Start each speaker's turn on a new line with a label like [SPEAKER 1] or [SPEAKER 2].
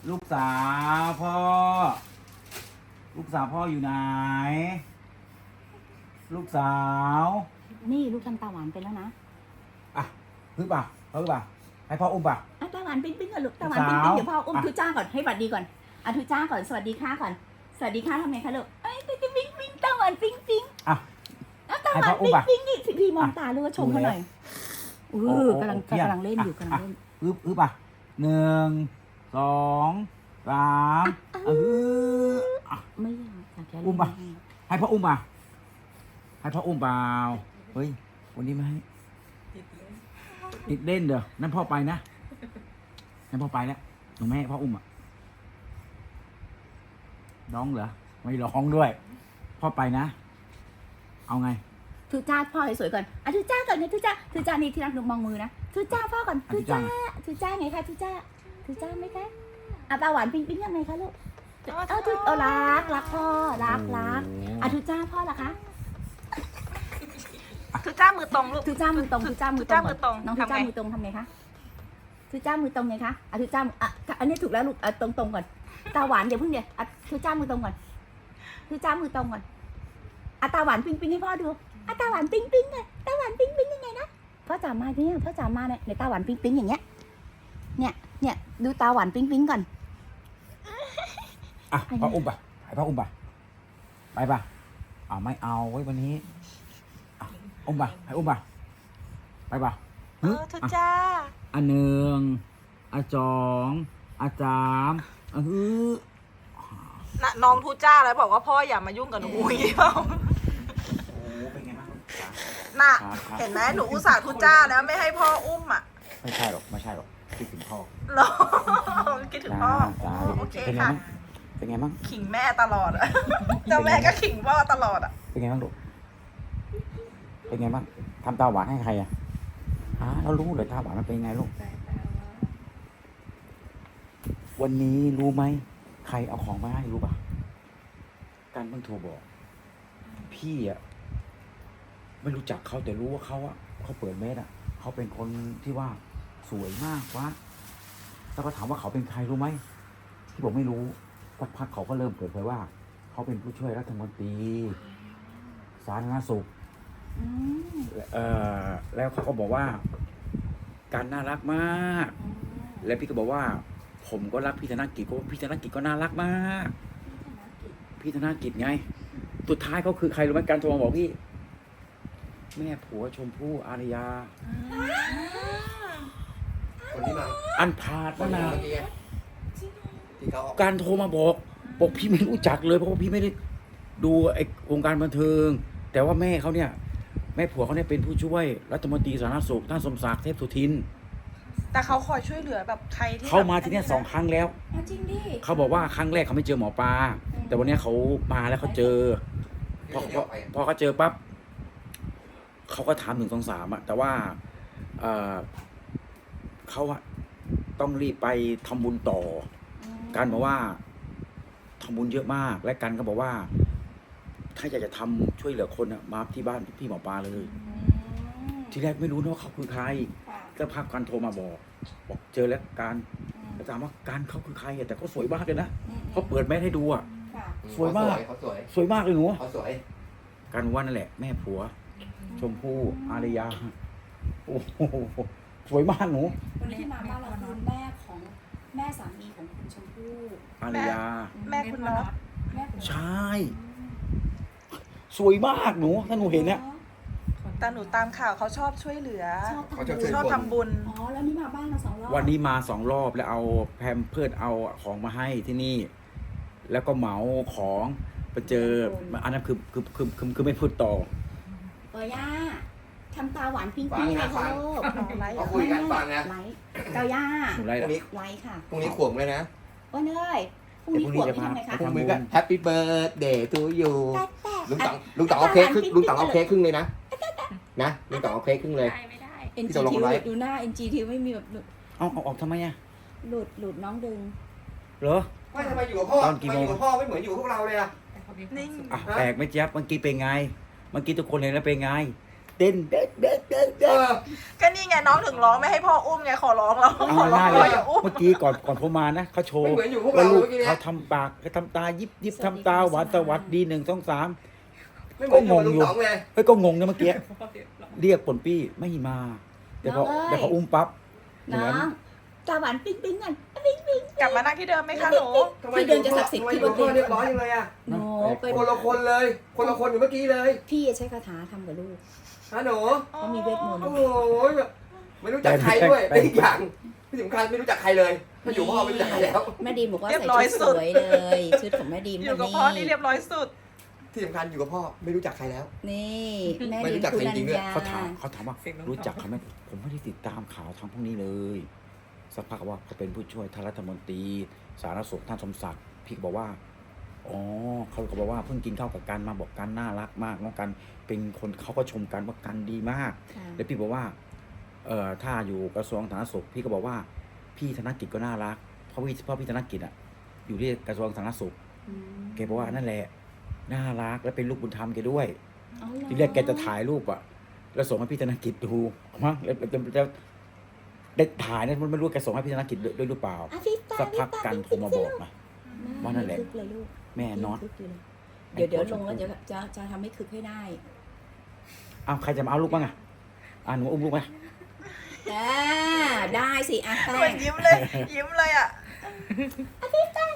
[SPEAKER 1] ลูกสาวพ่อ ลูกสาวพ่ออยู่ไหน ลูกสาว
[SPEAKER 2] นี่ลูกทำตาหวานไปแล้วนะ
[SPEAKER 1] อ่ะพึ่งป่ะพึ่งป่ะให้พ่ออุ้มป่ะ
[SPEAKER 2] อ่ะตาหวานปิ๊งปิ๊งก่อนลูกตาหวานปิ๊งปิ๊งเดี๋ยวพ่ออุ้มทุจ้าก่อนให้สวัสดีก่อนอ่ะทุจ้าก่อนสวัสดีค่ะก่อนสวัสดีค่ะทำไงคะลูกเอ้ยปิ๊งปิ๊งปิ๊งตาหวานปิ๊งปิ๊ง
[SPEAKER 1] อ่ะ
[SPEAKER 2] ตาหวานปิ๊งปิ๊งนี่พี่มองตาลูกชมเขาหน่อยกำลังเล่นอยู่กำลังเล่น
[SPEAKER 1] อึ๊บป่ะ1 2 3
[SPEAKER 2] ไม่อยากจะ
[SPEAKER 1] อุ้มป่ะให้พ่ออุ้มป่ะให้พ่ออุ้มเปล่าเฮ้ยวันนี้ไม่ให้ติดเล่นเด้อนั่นพ่อไปนะนั่นพ่อไปแล้วหนูแม่ให้พ่ออุ้มอ่ะร้องเหรอไม่ร้องด้วยพ่อไปนะเอาไง
[SPEAKER 2] ทุจ้าพ่อให้สวยก่อนอ่ะทุจ้าก่อนนะทุจ้านี่ที่รักดูมองมือนะทุจ้าพ่อก่อนทุจ้าไงคะทุจ้าไหมคะอ่ะตาหวานปิ๊งปิ๊งยังไงคะลูกเอารักพ่อรักอ่ะทุจ้าพ่อล่ะคะ
[SPEAKER 3] ทุจ้ามือตรงลูก
[SPEAKER 2] ทุจ้ามือตรงน้องทุจ้ามือตรงทำไงคะทุจ้ามือตรงไงคะอ่ะทุจ้าอันนี้ถูกแล้วลูกตรงก่อนตาหวานเดี๋ยวเพิ่งเดี๋ยวทุจ้ามือตรงก่อนทุจ้ามือตรงก่อนตาหวานปิ๊งปิ๊งให้พ่อดูตาหวานปิ๊งปิ๊งไงตาหวานปิ๊งปิ๊งยังไงนะพ่อจ๋ามาเนี่ยพ่อจ๋ามาเนี่ยในตาหวานปิ๊งปิ๊งอย่างเงี้ยเนี่ยดูตาหวานปิ๊งปิ๊งก่อน
[SPEAKER 1] อ่ะพ่ออุ้มป่ะให้พ่ออุ้มป่ะไปป่ะเอาไม่เอาไว้วันนี้อุ้มป่ะให้อุ้มป่ะไปป่ะ
[SPEAKER 3] ทุจ้า
[SPEAKER 1] อัน1 2 3
[SPEAKER 3] น้องทุจ้าแล้วบอกว่าพ่ออย่ามายุ่งกับหนูอย่างนี้เปล่า
[SPEAKER 1] โอ้เป็นไงบ้าง
[SPEAKER 3] น่ะเห็นไหมหนูอุตส่าห์ทุจ้าแล้วไม่ให้พ่ออุ้มอ่ะ
[SPEAKER 1] ไม่ใช่หรอกคิดถึงพ่อ
[SPEAKER 3] หรอคิดถึงพ่อโอเคค่ะ
[SPEAKER 1] เป็นไงบ้าง
[SPEAKER 3] ขิงแม่ตลอดอ่ะเจ้าแม่ก็ขิงพ่อตลอดอ่ะ
[SPEAKER 1] เป็นไงบ้างลูกเป็นไงบ้างทำตาหวานให้ใครอ่ะเรารู้เลยตาหวานมันเป็นไงลูกวันนี้รู้ไหมใครเอาของมาให้รู้ป่ะการเพิ่งโทรบอกพี่อ่ะไม่รู้จักเขาแต่รู้ว่าเขาเปิดเมสอ่ะเขาเป็นคนที่ว่าสวยมากวะแล้วก็ถามว่าเขาเป็นใครรู้ไหมที่บอกไม่รู้สักพักเขาก็เริ่มเปิดเผยว่าเขาเป็นผู้ช่วยรัฐมนตรีสาธารณสุขแล้วเขาก็บอกว่าการน่ารักมากและพี่ก็บอกว่าผมก็รักพี่ธนกิจเพราะพี่ธนกิจก็น่ารักมากพี่ธนกิจไงสุดท้ายเขาคือใครรู้ไหมการโทรมาบอกพี่แม่ผัวชมพู่อารยา
[SPEAKER 4] คนที่มา
[SPEAKER 1] อันพาด
[SPEAKER 4] คน
[SPEAKER 1] นะ
[SPEAKER 4] เมื่อกี้ที่เขาออก
[SPEAKER 1] การโทรมาบอกพี่ไม่รู้จักเลยเพราะว่าพี่ไม่ได้ดูไอ้วงการบันเทิงแต่ว่าแม่เขาเนี่ยแม่ผัวเขาเนี่ยเป็นผู้ช่วยรัฐมนตรีสาธารณสุขท่านสมศักดิ์เทพสุทิน
[SPEAKER 3] แต่เขาคอยช่วยเหลือแบบใครที่
[SPEAKER 1] เขามาที่เนี่ย2 ครั้งแล้ว
[SPEAKER 2] จริงดิ
[SPEAKER 1] เขาบอกว่าครั้งแรกเขาไม่เจอหมอปลาแต่วันนี้เขามาแล้วเขาเจอพอเขาเจอปั๊บเขาก็ถาม1 2 3แต่ว่าเขาอะต้องรีบไปทำบุญต่อกันบอกว่าทำบุญเยอะมากและกันก็บอกว่าถ้าอยากจะทำช่วยเหลือคนอะมาที่บ้านพี่หมอปลาเลยทีแรกไม่รู้นะว่าเขาคือใครก็พักกันโทรมาบอกเจอแล้วการแล้วถามว่าการเขาคือใครอะแต่เขาสวยมากเลยนะเขาเปิดแม่ให้ดูอะสวยมาก
[SPEAKER 4] เขาสวย
[SPEAKER 1] สวยมากเลยหนู
[SPEAKER 4] เขาสวย
[SPEAKER 1] การว่านั่นแหละแม่ผัวชมพู่อารยาโอ้โหสวยมากหนู
[SPEAKER 2] วันนี้ที่มาบ้านเราคือแม่ของแม่สามีของคุณชมพู่
[SPEAKER 1] อารยา
[SPEAKER 3] แม่คุณน็อต
[SPEAKER 2] แม่ของ
[SPEAKER 1] ใช่สวยมากหนูถ้าหนูเห็นเนี่ย
[SPEAKER 3] แต่หนูตามข่าวเขาชอบช่วยเหลือ
[SPEAKER 4] เขาจะช่วย
[SPEAKER 3] ชอบทำบุญ
[SPEAKER 2] แล้วนี่มาบ้านเรา2 รอบ
[SPEAKER 1] วันนี้มา2 รอบแล้วเอาแพมเพิร์ดเอาของมาให้ที่นี่ แล้วก็เหมาของไปเจออันนั้นคือไม่พูดต่อ
[SPEAKER 2] ย่าทำตาหวานปิ๊งปิ๊งเลยค่ะลูก
[SPEAKER 4] เขาคุยกันฟังนะ
[SPEAKER 2] ไลฟ์เจ้าย่า
[SPEAKER 1] หนูไร
[SPEAKER 4] พรุ่งนี้
[SPEAKER 2] ไลฟ์ค่ะ
[SPEAKER 4] พรุ่งนี้ขวบเลยนะ
[SPEAKER 2] โอ้เนยพรุ่งนี้ขวบนี่ทำไงคะ
[SPEAKER 4] พรุ่งนี้ก็แฮปปี้เบิร์ดเดย์ทูยู
[SPEAKER 2] แต่
[SPEAKER 4] ลุงต๋องเอาเค้กครึ่งลุงต๋องเอาเค้กครึ่งเลยนะลุงต๋องเอาเค้กครึ่งเลย
[SPEAKER 3] ไม่ได้
[SPEAKER 2] NG
[SPEAKER 4] ที่ตกลงกันไว้
[SPEAKER 2] ดูหน้า NG ทีไม่มีแบบ
[SPEAKER 1] เอาออกทำไมอะ
[SPEAKER 2] หลุดน้องดึง
[SPEAKER 1] เหรอ
[SPEAKER 4] ไม่ทำไมอยู่กับพ่อ
[SPEAKER 1] ตอนกี่โมง
[SPEAKER 4] ทำไอยู่กับพ่อไม่เหมือนอยู่กับพวกเราเลยอะ
[SPEAKER 3] นิ่ง
[SPEAKER 1] แปลกไหมเจี๊ยบเมื่อกี้เป็นไงเมื่อกี้ทุกคนเห็นแล้วเป็นไงเต้นเด็กเด็กเด็ก
[SPEAKER 4] เอ
[SPEAKER 1] เด็ก
[SPEAKER 4] อ
[SPEAKER 3] ก็นี่ไงน้องถึงร้องไม่ให้พ่ออุ้มไงขอร้องเรา
[SPEAKER 1] เอา
[SPEAKER 3] ขอร้อง
[SPEAKER 1] ง่ายๆ
[SPEAKER 3] เรา
[SPEAKER 1] เลย
[SPEAKER 3] อย่าอุ้ม
[SPEAKER 1] เมื่อกี้ก่อนผมมานะเขาโช
[SPEAKER 4] ไม่
[SPEAKER 1] ว์
[SPEAKER 4] เหมือนอยู่พวก
[SPEAKER 1] ว่า
[SPEAKER 4] เรา
[SPEAKER 1] ลูก
[SPEAKER 4] เมื่อกี้เนี่ย
[SPEAKER 1] เขาทำปากเขาทำตายิบยิบทำตาหวานสวัสดี1 2 3
[SPEAKER 4] ไม่เหมือนอยู่กับลุงต๋องเลย
[SPEAKER 1] เฮ้ยก็งงนะเมื่อกี้เรียกปนปี้ไม่มาเดี๋ยวพออุ้มปั๊บ
[SPEAKER 2] น้องตาหวานปิ๊งปิ๊งกันปิ๊งปิ๊ง
[SPEAKER 3] กลับมานั่งที่เดิมไหมคะหนู
[SPEAKER 4] ทำไม
[SPEAKER 2] ที่เดินจะศักดิ์สิทธิ์
[SPEAKER 4] ทำไม
[SPEAKER 2] ที่
[SPEAKER 4] อยู่
[SPEAKER 2] บ
[SPEAKER 4] กับ
[SPEAKER 2] น
[SPEAKER 4] พ่อ
[SPEAKER 2] เตียง
[SPEAKER 4] เรียบร้อยยังไงอะ
[SPEAKER 2] หนูไป
[SPEAKER 4] คนละคนเลย คนละคนอยู่เมื่อกี้เลย
[SPEAKER 2] พี่ใช้คาถาทำกับลูก
[SPEAKER 4] ฮะหนู
[SPEAKER 2] เขามีเวทมนต์
[SPEAKER 4] โอ้โหแบบไม่รู้จักใครด้วยเป็นอีกอย่างที่สำคัญไม่รู้จักใครเลยถ้าอยู่พ่อไม่รู้จักใครแล้ว
[SPEAKER 2] แม่ดีมบอกว่า
[SPEAKER 3] เรีย
[SPEAKER 2] ใส่
[SPEAKER 3] บร้อย
[SPEAKER 2] ชุด
[SPEAKER 3] สุ
[SPEAKER 2] ส
[SPEAKER 3] ด
[SPEAKER 2] วยเลยชุดของแม่ดีม
[SPEAKER 3] อยู่กับ
[SPEAKER 2] วัน
[SPEAKER 3] พ่อนี่เรียบร้อยสุด
[SPEAKER 4] ที่สำคัญอยู่กับพ่อไม่รู้จักใครแล้ว
[SPEAKER 2] นี่แม่
[SPEAKER 4] ไม่
[SPEAKER 2] ดี
[SPEAKER 4] รู้
[SPEAKER 2] ม
[SPEAKER 4] จัก
[SPEAKER 2] คุ
[SPEAKER 4] จ
[SPEAKER 2] รั
[SPEAKER 4] ริง
[SPEAKER 2] ญ
[SPEAKER 4] ๆด้วย
[SPEAKER 2] ญา
[SPEAKER 1] เขาถามว่ารู้จักเขาไหมผมไม่ได้ติดตามข่าวทางพวกนี้เลยสักพักว่าเขาเป็นผู้ช่วยท่านรัฐมนตรีสาธารณสุขท่านสมศักดิ์พี่ก็บอกว่าอ๋อเขาก็บอกว่าเพิ่งกินข้าวกับกันมาบอกกันน่ารักมากน้องกันเป็นคนเขาก็ชมกันว่ากันดีมาก
[SPEAKER 2] ค่ะ
[SPEAKER 1] แล้วพี่บอกว่าถ้าอยู่กระทรวงสาธารณสุขพี่ก็บอกว่าพี่ธนกิจก็น่ารักเพราะพี่ธนกิจอ่ะอยู่ที่กระทรวงสาธารณสุข
[SPEAKER 2] อืม
[SPEAKER 1] แกบอกว่านั่นแหละน่ารักและเป็นลูกบุญธรรมแกด้วย
[SPEAKER 2] อ๋อเหรอ
[SPEAKER 1] ทีแรกแกจะถ่ายรูปอ่ะแล้วส่งให้พี่ธนกิจดูมั้งแล้วได้ถ่ายนะมันไม่รู้แกส่งให้พี่ธนกิจด้วยหรือเปล่า
[SPEAKER 2] อ่ะพี่ตา
[SPEAKER 1] สักพักกันโทรมาบอกนะ ว่านั่นแหละ
[SPEAKER 2] คึกเลยลูก
[SPEAKER 1] แม่น็อต
[SPEAKER 2] คึกอยู่เลยเดี๋ยวลงแล้วจะทำให้คึกให้ได้
[SPEAKER 1] อ้าวใครจะมาเอาลูกบ้างอ่ะหนูอุ้มลูกไหม
[SPEAKER 2] ได้สิอ่ะ
[SPEAKER 3] เห
[SPEAKER 2] แป้
[SPEAKER 3] มือง นยิ้มเลย ยิ้มเลยอ่ะ
[SPEAKER 2] พี่ตา